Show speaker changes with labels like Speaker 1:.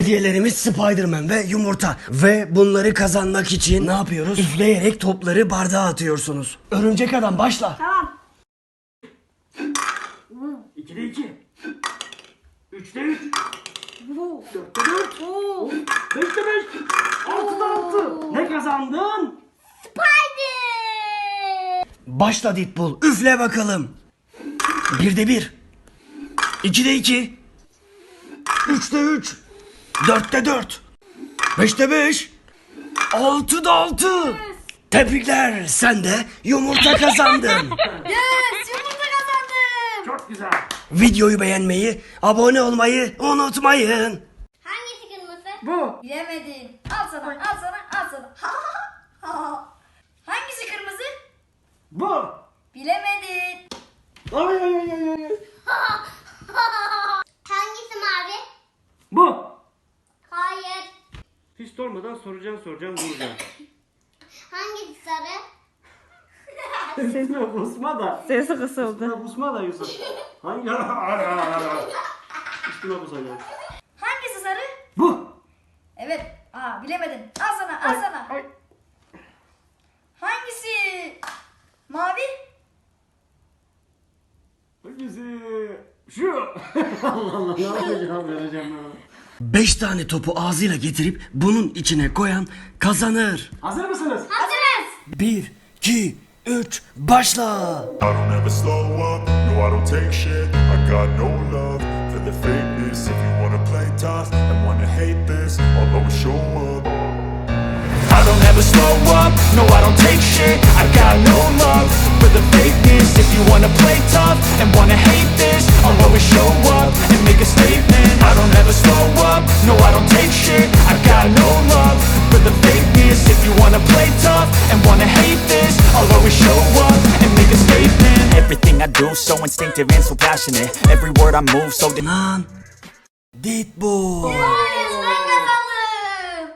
Speaker 1: Hediyelerimiz Spider-Man ve yumurta. Ve bunları kazanmak için ne yapıyoruz? Üfleyerek topları bardağa atıyorsunuz. Örümcek adam başla.
Speaker 2: Tamam.
Speaker 1: 2'de 2. 3'te 3. 4'te 4. 5'te 5. 6'da 6. Ne kazandın?
Speaker 2: Spider.
Speaker 1: Başla Deadpool. Üfle bakalım. 1'de 1. 2'de 2. 3'te 3. 4'te 4. 5'te 5. 6'da 6. Tebrikler. Sen de yumurta kazandın.
Speaker 2: Yes, yumurta kazandım.
Speaker 1: Çok güzel. Videoyu beğenmeyi, abone olmayı unutmayın.
Speaker 2: Hangisi kırmızı?
Speaker 1: Bu.
Speaker 2: Bilemedin. Al sana, al sana, al sana. Hangisi kırmızı?
Speaker 1: Bu.
Speaker 2: Bilemedin.
Speaker 1: Ay ay ay ay ay.
Speaker 2: Hangisi mavi?
Speaker 1: Bu.
Speaker 2: Hayır.
Speaker 1: Hiç sormadan soracaksın vuracaksın.
Speaker 2: Hangisi sarı?
Speaker 1: Sesime busma da.
Speaker 3: Sesi kısıldı.
Speaker 1: Üstüme busma da Yusuf. Hangi? Üstüme busacağım.
Speaker 2: Hangisi sarı?
Speaker 1: Bu.
Speaker 2: Evet. Bilemedin. Al sana, al sana.
Speaker 1: Ay.
Speaker 2: Hangisi mavi?
Speaker 1: Hangisi? Şu. Allah Allah, ne yapacağım vereceğim ben. 5 tane topu ağzıyla getirip bunun içine koyan kazanır. Hazır mısınız?
Speaker 2: Hazırız.
Speaker 1: 1, 2, 3, başla.
Speaker 4: I don't ever slow up, no I don't take shit. I got no love for the fakeness. If you wanna play tough and wanna hate this, I'll always show up. I don't ever slow up, no I don't take shit. I got no love for the fakeness. If you wanna play tough and wanna hate this, I'll always show up and make a statement. I don't ever slow up, no I don't take shit. I got no love for the fakeness. If you wanna play tough and wanna hate this, I'll always show up and make a statement.
Speaker 5: Everything I do so instinctive and so passionate. Every word I move so
Speaker 1: Lan. Deadpool.